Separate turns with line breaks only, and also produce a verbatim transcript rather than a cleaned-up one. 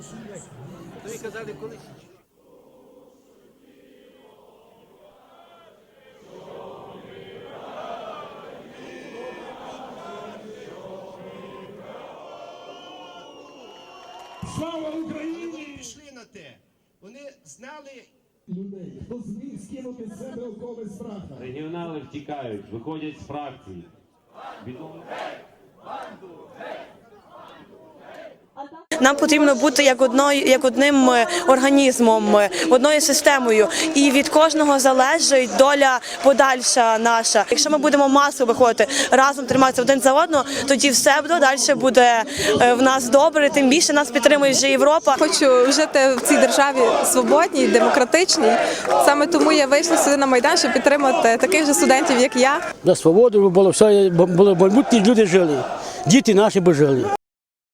То ви казали, коли?
Слава Україні!
Вони пішли на те. Вони знали
Людей, хто зміг скинути з себе окови страха.
Регіонали втікають, виходять з фракцій. Відомо...
Нам потрібно бути як одною, як одним організмом, одною системою, і від кожного залежить доля подальша наша. Якщо ми будемо масово виходити, разом триматися один за одного, тоді все буде далі буде в нас добре. Тим більше нас підтримує вже Європа.
Хочу жити в цій державі свободній, демократичній. Саме тому я вийшла сюди на Майдан, щоб підтримати таких же студентів, як я.
За свободу було все, були майбутні люди жили, діти наші би жили.